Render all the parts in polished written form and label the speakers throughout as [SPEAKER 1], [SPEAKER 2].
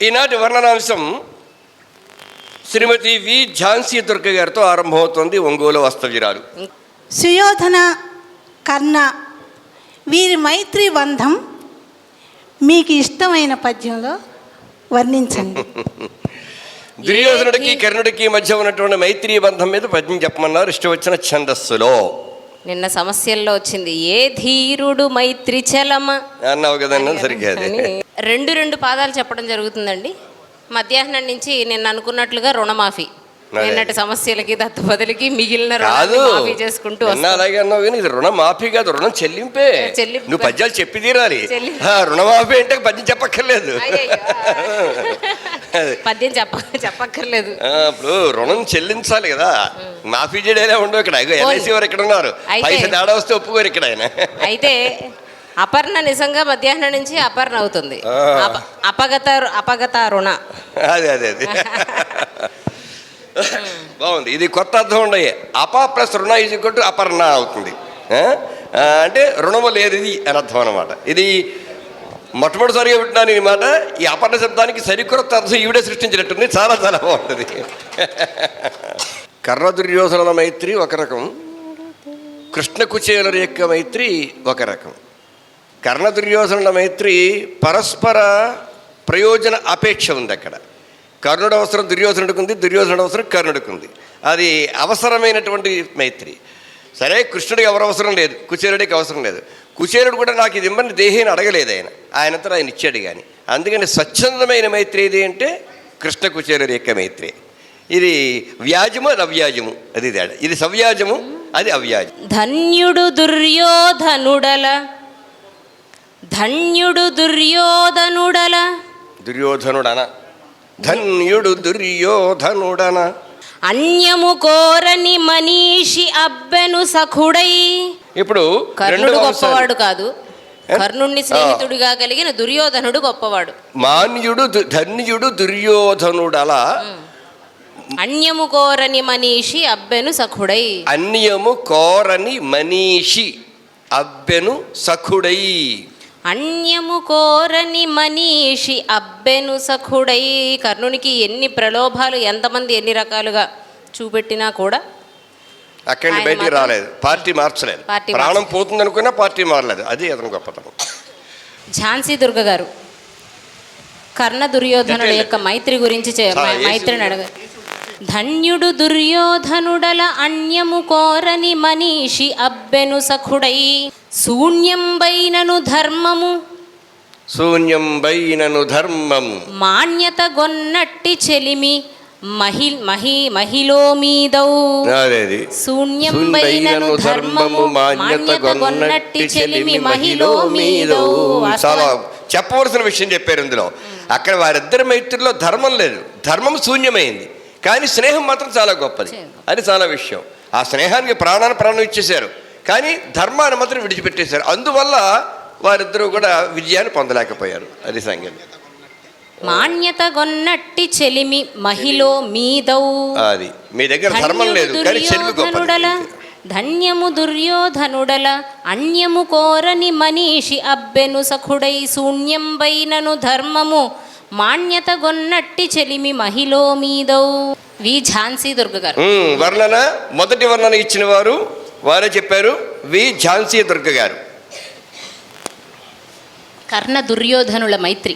[SPEAKER 1] ఈనాటి వర్ణనాంశం శ్రీమతి వి ఝాన్సీ దుర్గ గారితో ఆరంభమవుతోంది. ఒంగోలు వాస్తవ్యురాలు.
[SPEAKER 2] సుయోధన కర్ణ వీరి మైత్రి బంధం మీకు ఇష్టమైన పద్యంలో వర్ణించండి.
[SPEAKER 1] దుర్యోధనుడికి కర్ణుడికి మధ్య ఉన్నటువంటి మైత్రీ బంధం మీద పద్యం చెప్పమన్నారు, ఇష్టం వచ్చిన ఛందస్సులో.
[SPEAKER 3] నిన్న సమస్యల్లో వచ్చింది ఏ ధీరుడు మైత్రి చలమ
[SPEAKER 1] అన్నావు కదన్నా, సరిగ్గా
[SPEAKER 3] రెండు పాదాలు చెప్పడం జరుగుతుందండి. మధ్యాహ్నం నుంచి నేను అనుకున్నట్లుగా రుణమాఫీ, నిన్నటి సమస్యలకి దత్తపదులకి మిగిలిన రుణమాఫీ చేసుకుంటూ
[SPEAKER 1] అలాగే అన్నావు. కానీ ఇది రుణమాఫీ కాదు, రుణం చెల్లింపే. నువ్వు పద్యాలు చెప్పి తీరాలి. రుణమాఫీ అంటే పద్యం చెప్పక్కర్లేదు,
[SPEAKER 3] పద్యం చెప్పక్కర్లేదు.
[SPEAKER 1] ఇప్పుడు రుణం చెల్లించాలి కదా, మాఫీ చేయడేలా ఉండవు. ఇక్కడ ఎల్ఐసి వారు ఇక్కడ ఉన్నారు, పైసలు తేడా వస్తే ఒప్పుకోరు ఇక్కడ ఆయన.
[SPEAKER 3] అయితే అపర్ణ నిజంగా మధ్యాహ్నం నుంచి అపర్ణ అవుతుంది. అపగత రుణ.
[SPEAKER 1] అదే అదే అదే బాగుంది. ఇది కొత్త అర్థం ఉండయి. అప ప్లస్ రుణ ఈజ్ ఈక్వల్ టు అపర్ణ అవుతుంది. అంటే రుణము లేదు ఇది అని అర్థం అనమాట. ఇది మొట్టమొదటిసారిగా వింటున్నాను ఈ మాట. ఈ అపర్ణ శబ్దానికి సరికొత్త అర్థం ఈవిడే సృష్టించినట్టుంది. చాలా చాలా బాగుంటుంది. కర్ణ దుర్యోధనుల మైత్రి ఒక రకం, కృష్ణ కుచేలుల యొక్క మైత్రి ఒక రకం. కర్ణ దుర్యోధనుల మైత్రి పరస్పర ప్రయోజన అపేక్ష ఉంది. అక్కడ కర్ణుడు అవసరం దుర్యోధనుడికి ఉంది, దుర్యోధనుడు అవసరం కర్ణుడికి ఉంది. అది అవసరమైనటువంటి మైత్రి. సరే, కృష్ణుడికి ఎవరు అవసరం లేదు, కుచేలుడికి అవసరం లేదు. కుచేలుడు కూడా నాకు ఇది ఇమ్మని దేహేని అడగలేదు, ఆయనంతా ఆయన ఇచ్చాడు. కానీ అందుకని స్వచ్ఛందమైన మైత్రి ఏది అంటే కృష్ణ కుచేలుడి యొక్క మైత్రి. ఇది వ్యాజము, అది అవ్యాజము, అది తేడా. ఇది సవ్యాజము, అది అవ్యాజం.
[SPEAKER 3] ధన్యుడు దుర్యోధనుడల
[SPEAKER 1] దుర్యోధనుడన ధన్యుడు దుర్యోధనుడన
[SPEAKER 3] అన్యము కోరని మనీషి అబ్బెను సఖుడై.
[SPEAKER 1] ఇప్పుడు
[SPEAKER 3] కర్ణుడు గొప్పవాడు కాదు, కర్ణుడిని స్నేహితుడిగా కలిగిన దుర్యోధనుడు గొప్పవాడు.
[SPEAKER 1] మాన్యుడు ధన్యుడు దుర్యోధనుడల
[SPEAKER 3] అన్యము కోరని మనీషి అబ్బెను సఖుడై.
[SPEAKER 1] అన్యము కోరని మనీషి అబ్బెను సఖుడై.
[SPEAKER 3] అన్యము కోరని మనీషి అబ్బెను సఖుడై. కర్ణునికి ఎన్ని ప్రలోభాలు, ఎంతమంది ఎన్ని రకాలుగా చూపెట్టినా కూడా
[SPEAKER 1] అక్కడి బయటికి రాలేదు, పార్టీ మార్చలేదు. ప్రాణం పోతుంది అనుకున్నా పార్టీ మారలేదు. అది అతను గొప్పతనం.
[SPEAKER 3] ఝాన్సీ దుర్గ గారు కర్ణ దుర్యోధనుల యొక్క మైత్రి గురించి మైత్రిని అడగ. ధన్యుడు దుర్యోధనుడల అన్యము కోరని మనీషి అబ్బెను సఖుడై. శూన్యంబైనను ధర్మము మాన్యత గొన్నట్టి చెలిమి మహిలో మీదౌ. శూన్యంబైనను ధర్మము మాన్యత గొన్నట్టి చెలిమి మహిలో మీదౌ.
[SPEAKER 1] చాలా చెప్పవలసిన విషయం చెప్పారు ఇందులో. అక్కడ వారిద్దరి మైత్రిలో ధర్మం లేదు, ధర్మం శూన్యమైంది. కానీ స్నేహం మాత్రం చాలా గొప్పది. అది చాలా విషయం. ఆ స్నేహానికి ప్రాణం ఇచ్చేశారు, కానీ ధర్మాన్ని మాత్రం విడిచిపెట్టేశారు. అందువల్ల వారిద్దరూ కూడా విజయాన్ని పొందలేకపోయారు. అది సంగతి.
[SPEAKER 3] మాన్యత గొన్నట్టి చెలిమి మహిలో మీదౌ.
[SPEAKER 1] అది మీ దగ్గర ధర్మం లేదు, కానీ చెలిమి గొప్పది.
[SPEAKER 3] ధన్యము దుర్యోధనుడల అన్యము కోరని మనీషి అబ్బెను సఖుడై. శూన్యం బైనను ధర్మము మాన్యత గొన్నట్టి చెలిమి మహిలో మీదౌ. వి ఝాన్సీ దుర్గ గారు
[SPEAKER 1] వర్ణన, మొదటి వర్ణన ఇచ్చిన వారు వారే చెప్పారు. వి ఝాన్సీ దుర్గ గారు.
[SPEAKER 3] కర్ణ దుర్యోధనుల మైత్రి.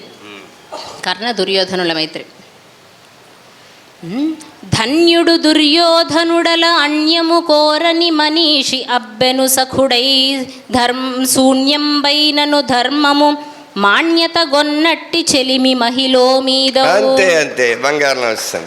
[SPEAKER 3] ధన్యుడు దుర్యోధనుడల అన్యము కోరని మనీషి అబ్బెను సఖుడై. శూన్యం బైనను ధర్మము మాన్యత గొన్నట్టి చెలిమి మహిలో మీద.
[SPEAKER 1] అంతే బంగారం వస్తుంది.